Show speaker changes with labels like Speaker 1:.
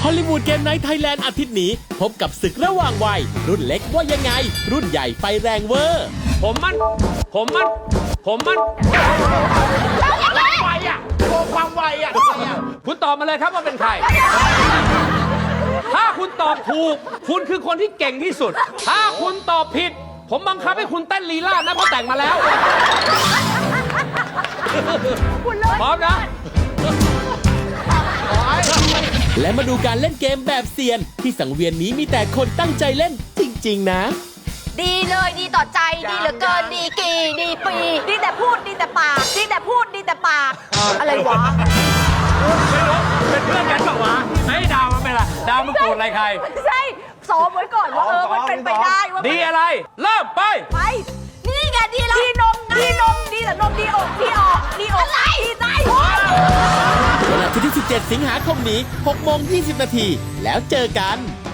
Speaker 1: ฮอลลีวูดเกมไนท์ไทยแลนด์อาทิตย์นี้พบกับศึกระหว่างวัยรุ่นเล็กว่ายังไง รุ่นใหญ่ไฟแรงเวอร์
Speaker 2: ผมมันความไวอ่ะโชว์ความไวอ่ะคุณตอบมาเลยครับว่าเป็นใคร ถ้าคุณตอบถูกคุณคือคนที่เก่งที่สุด ถ้าคุณตอบผิดผมบังคับให้คุณเต้นลีลาดนะเพราะแต่งมาแล้วพร้อมนะ
Speaker 1: และมาดูการเล่นเกมแบบเซียนที่สังเวียนนี้มีแต่คนตั้งใจเล่นจริงๆนะ
Speaker 3: ดีเลยดีต่อใจดีเหลือเกินดีกี่ดีปีดีแต่พูดดีแต่ปากดีแต่พูดดีแต่ปากอะไรวะ
Speaker 2: ไม่รู้เป็นเพื่อนกันเปล่าวะไอ้ดาวมันเป็นอะไรดาวมันโกรธอะไรใคร
Speaker 3: ไม่ใช่ซ้อมไว้ก่อนว่ามันเป็นไปได้ว่า
Speaker 2: ดีอะไรเริ่มไป
Speaker 3: ไปนี่ไงดีแล้วดีนมดีแต่นมดีอกดีออกดีใจ
Speaker 1: วันอาทิตย์ที่ 17 สิงหาคมนี้ 6:20 น. แล้วเจอกัน